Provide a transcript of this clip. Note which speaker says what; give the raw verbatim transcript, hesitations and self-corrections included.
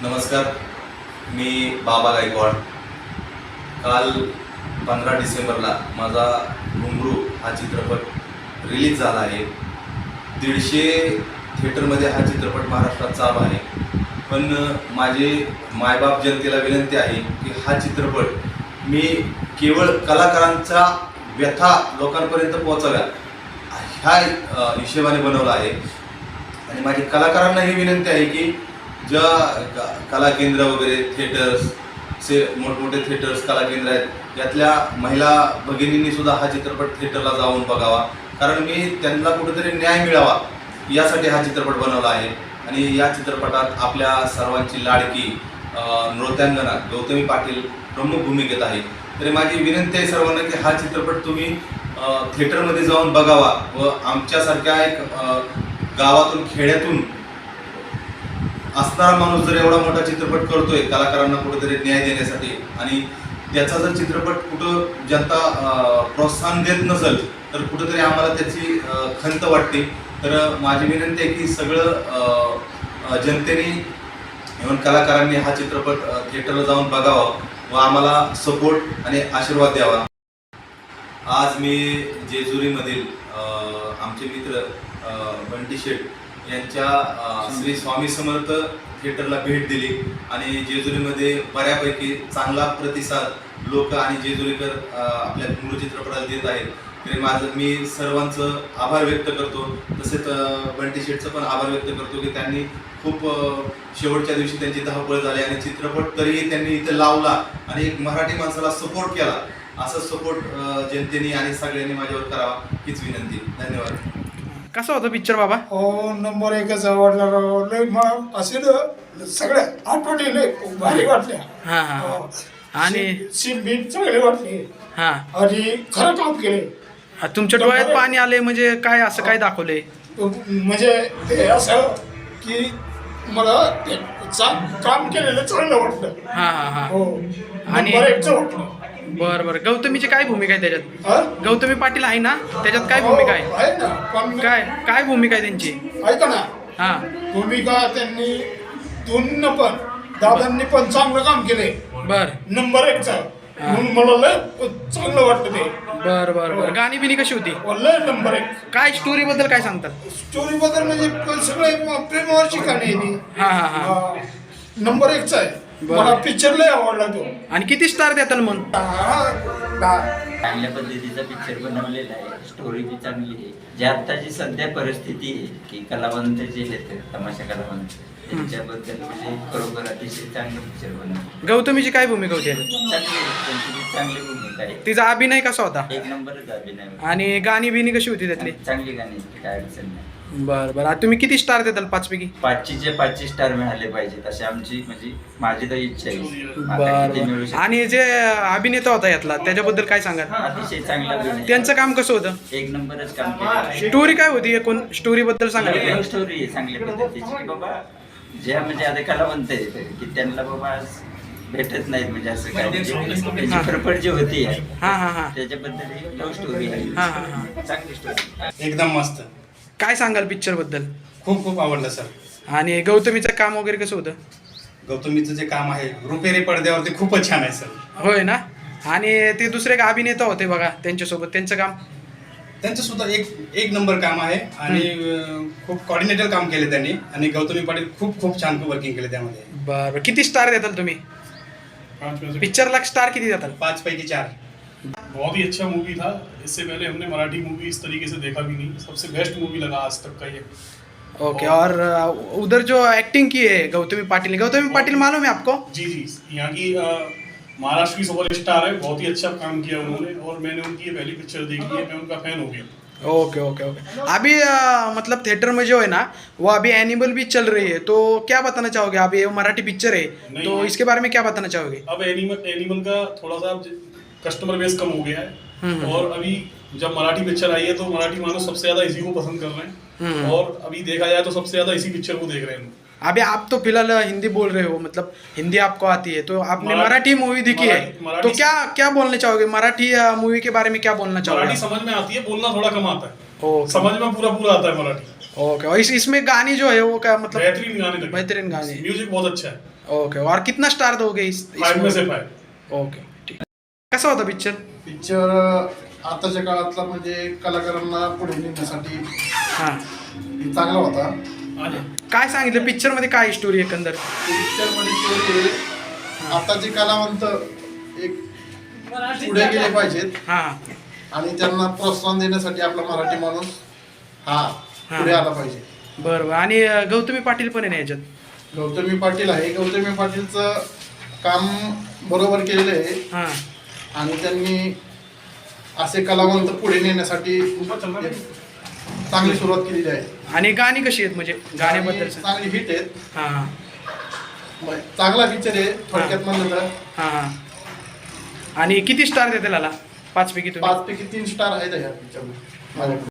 Speaker 1: नमस्कार, मी बाबा गायकवाड. काल पंधरा डिसेंबरला माझा घुंगरू हा चित्रपट रिलीज झाला आहे. दीडशे थिएटरमध्ये हा चित्रपट महाराष्ट्रात चालू आहे. पण माझे मायबाप जनतेला विनंती आहे की हा चित्रपट मी केवळ कलाकारांचा व्यथा लोकांपर्यंत पोहोचाव्या ह्या हिशेबाने बनवला आहे. आणि माझी कलाकारांना ही विनंती आहे की ज्या कला केंद्र वगैरे थिएटर्स से मोठमोठे थिएटर्स कला केंद्र आहेत यातल्या महिला भगिनींनी सुद्धा हा चित्रपट थिएटरला जाऊन बघावा, कारण मी त्यांना कुठेतरी न्याय मिळावा यासाठी हा चित्रपट बनवला आहे. आणि या चित्रपटात आपल्या सर्वांची लाडकी नृत्यांगना गौतमी पाटील प्रमुख भूमिकेत आहे. तरी माझी विनंती आहे सर्वांना की हा चित्रपट तुम्ही थिएटरमध्ये जाऊन बघावा व आमच्यासारख्या एक गावातून खेड्यातून असणारा माणूस जर एवढा मोठा चित्रपट करतोय कलाकारांना कुठेतरी न्याय देण्यासाठी आणि त्याचा जर चित्रपट कुठं जनता प्रोत्साहन देत नसेल तर कुठंतरी आम्हाला त्याची खंत वाटते. तर माझी विनंती आहे की सगळं जनतेने इव्हन कलाकारांनी हा चित्रपट थिएटरला जाऊन बघावा व आम्हाला सपोर्ट आणि आशीर्वाद द्यावा. आज मी जेजुरीमधील आमचे मित्र बंटी शेठ यांच्या श्री स्वामी समर्थ थिएटरला भेट दिली आणि जेजुरीमध्ये बऱ्यापैकी चांगला प्रतिसाद लोक आणि जेजुरीकर आपल्या घुंगरू चित्रपटाला देत आहेत. तरी माझं मी सर्वांचं आभार व्यक्त करतो. तसेच बंटी शेठचं पण आभार व्यक्त करतो की त्यांनी खूप शेवटच्या दिवशी त्यांची धावपळ झाली आणि चित्रपट तरीही त्यांनी इथे लावला आणि एक मराठी माणसाला सपोर्ट केला. असं सपोर्ट जनतेने आणि सगळ्यांनी माझ्यावर करावा हीच विनंती. धन्यवाद.
Speaker 2: कसा होता पिक्चर बाबा?
Speaker 3: हो, नंबर एकच आवडला. लय मग असे ना सगळ्या आठवणी लय भारी वाटल्या.
Speaker 2: हा हा आणि
Speaker 3: सीन बीन चांगले वाटले
Speaker 2: हा
Speaker 3: आणि खरं काम केले.
Speaker 2: तुमच्या डोळ्यात पाणी आले म्हणजे काय असं काय दाखवले?
Speaker 3: म्हणजे ते असं की मला ते काम केलेलं चांगलं वाटलं.
Speaker 2: हा हा हा
Speaker 3: हो,
Speaker 2: आणि
Speaker 3: नंबर एकच वाटलं.
Speaker 2: बर बर गौतमीची काय भूमिका आहे त्याच्यात?
Speaker 3: हा?
Speaker 2: गौतमी पाटील आहे ना त्याच्यात? काय भूमिका आहे?
Speaker 3: हो, आहे ना. पण
Speaker 2: काय काय भूमिका आहे त्यांची?
Speaker 3: ऐका ना,
Speaker 2: हा
Speaker 3: भूमिका त्यांनी दोन पण दादांनी पण चांगलं काम केले.
Speaker 2: बर
Speaker 3: नंबर एकचा म्हणून मला लय चांगलं वाटतं ते.
Speaker 2: बर बर बर गाणी बिनी कशी होती?
Speaker 3: लय नंबर एक.
Speaker 2: काय स्टोरी बद्दल काय सांगतात?
Speaker 3: स्टोरी बद्दल म्हणजे सगळे प्रेमावरची कहाणी आहे ती.
Speaker 2: हा हा हा
Speaker 3: हा, नंबर एकचा आहे.
Speaker 2: बरं.
Speaker 3: मला पिक्चर लय आवडला तो.
Speaker 2: आणि किती स्टार देताल मग?
Speaker 3: हा, हा.
Speaker 4: चांगल्या पद्धतीचा पिक्चर बनवलेला आहे. स्टोरी बी चांगली आहे. जी आत्ताची सध्या परिस्थिती आहे की कलावंत जे आहेत तमाशा कलावंत त्यांच्याबद्दल म्हणजे खरोखर अतिशय चांगलं पिक्चर बनवलं.
Speaker 2: गौतमीची काय भूमिका होती?
Speaker 4: चांगली आहे. त्यांची बी चांगली भूमिका आहे.
Speaker 2: तिचा अभिनय कसा होता?
Speaker 4: एक नंबरच अभिनय.
Speaker 2: आणि गाणी बिनी कशी होती त्यातली?
Speaker 4: चांगली गाणी आहेत, काय अडचण नाही.
Speaker 2: बर बर तुम्ही किती स्टार देताल पाचपैकी?
Speaker 4: पाचशेचे पाचशे स्टार मिळाले पाहिजेत अशी आमची म्हणजे माझी तर इच्छा आहे. आता
Speaker 2: बर
Speaker 4: किती मिळू
Speaker 2: बर
Speaker 4: शकते?
Speaker 2: आणि जे अभिनेता होता यातला त्याच्याबद्दल काय सांगाल?
Speaker 4: अतिशय चांगला अभिनय.
Speaker 2: त्यांचं काम कसं होतं?
Speaker 4: एक नंबरच काम केलं.
Speaker 2: स्टोरी काय होती? एकूण स्टोरी बद्दल सांगा.
Speaker 4: लव्ह स्टोरी आहे चांगल्या पद्धतीची की बाबा ज्या म्हणजे आता कलावंत आहेत की त्यांना बाबा आज भेटत नाहीत म्हणजे असं काय म्हणजे चित्रपट जी होती
Speaker 2: हा हा हा
Speaker 4: त्याच्याबद्दल लव्ह स्टोरी आहे.
Speaker 2: हा हा हा
Speaker 4: चांगली स्टोरी.
Speaker 5: एकदम मस्त.
Speaker 2: काय सांगाल पिक्चर बद्दल?
Speaker 5: खूप खूप आवडलं सर.
Speaker 2: आणि गौतमीचं काम वगैरे कसं होतं?
Speaker 5: गौतमीचं जे काम आहे रुपेरी पडद्यावरती खूपच छान आहे सर.
Speaker 2: होय ना. आणि ते दुसरे एक अभिनेता होते बघा त्यांच्यासोबत, त्यांचं काम?
Speaker 5: त्यांचं सुद्धा एक एक नंबर काम आहे आणि अं, खूप कॉर्डिनेटर काम केले त्यांनी आणि गौतमी पाटील खूप खूप छान वर्किंग केले त्यामध्ये.
Speaker 2: बरं किती स्टार देताल तुम्ही पिक्चरला? स्टार किती देताल?
Speaker 5: पाच पैकी चार.
Speaker 6: बहुत ही अच्छा मूवी था. इससे पहले हमने मराठी मूवी इस तरीके से देखा भी नहीं. सबसे बेस्ट मूवी लगा आज तक का ये.
Speaker 2: ओके. और uh, उधर जो एक्टिंग की है गौतमी पाटिल, गौतमी पाटिल मालूम है आपको?
Speaker 6: जी जी यहाँ की अ, महाराष्ट्र की सुपर स्टार है. बहुत ही अच्छा काम किया उन्होंने और मैंने उनकी ये पहली पिक्चर देखी है. मैं उनका फैन हो गया.
Speaker 2: Okay okay okay. अभी uh, मतलब थिएटर में जो है ना वो अभी एनिमल भी चल रही है, तो क्या बताना चाहोगे? अभी ये मराठी पिक्चर है तो इसके बारे में क्या बताना चाहोगे?
Speaker 6: अब एनिमल एनिमल का थोड़ा सा कस्टमर बेस कम हो गया है और अभी जब मराठी पिक्चर आई है तो मराठी मानव सबसे ज्यादा इसी को पसंद कर रहे हैं और अभी देखा जाए तो सबसे ज्यादा इसी पिक्चर को देख रहे हैं.
Speaker 2: अभी आप तो फिलहाल हिंदी बोल रहे हो, मतलब हिंदी आपको आती है, तो आपने मराठी मूवी देखी है
Speaker 6: मराठी-
Speaker 2: तो क्या क्या बोलना चाहोगे? मराठी मूवी के बारे में क्या बोलना चाहोगे?
Speaker 6: मराठी समझ में आती है, बोलना थोड़ा कम आता है.
Speaker 2: ओके
Speaker 6: समझ में पूरा पूरा आता है मराठी.
Speaker 2: ओके. और इस इसमें गानी जो है वो क्या मतलब?
Speaker 6: बेहतरीन गाने लगे.
Speaker 2: बेहतरीन गाने.
Speaker 6: म्यूजिक बहुत अच्छा है.
Speaker 2: ओके और कितना स्टार दोगे इस, इस
Speaker 6: फाइव में से फाइव।
Speaker 2: ओके ठीक. कसा होता पिक्चर?
Speaker 3: पिक्चर आताच्या काळातला म्हणजे कलाकारांना पुढे नेण्यासाठी
Speaker 2: हां,
Speaker 3: चांगला होता.
Speaker 2: काय सांगितलं पिक्चर मध्ये, काय स्टोरी एकंदर?
Speaker 3: पिक्चरमध्ये स्टोरी आताचे कलावंत एक पुढे गेले पाहिजेत
Speaker 2: हां
Speaker 3: आणि त्यांना प्रोत्साहन देण्यासाठी आपला मराठी माणूस हा पुढे आला पाहिजे.
Speaker 2: बरं बरं. आणि अं, गौतमी पाटील पण आहे ना याच्यात?
Speaker 3: गौतमी पाटील आहे. गौतमी पाटीलचं काम बरोबर केलेलं आहे
Speaker 2: हां
Speaker 3: आणि त्यांनी असे कलावंत पुढे नेण्यासाठी एक चांगली सुरुवात केलेली आहे.
Speaker 2: आणि गाणी कशी आहेत म्हणजे गाण्याबद्दल?
Speaker 3: आणि चांगली हिट आहेत.
Speaker 2: हां हां
Speaker 3: मग चांगला पिक्चर आहे थोडक्यात म्हणलं तर.
Speaker 2: हां हां. आणि किती स्टार देते त्याला पाचपैकी तुम्ही?
Speaker 3: पाच पैकी तीन स्टार आहेत या पिक्चरला माझ्याकडे.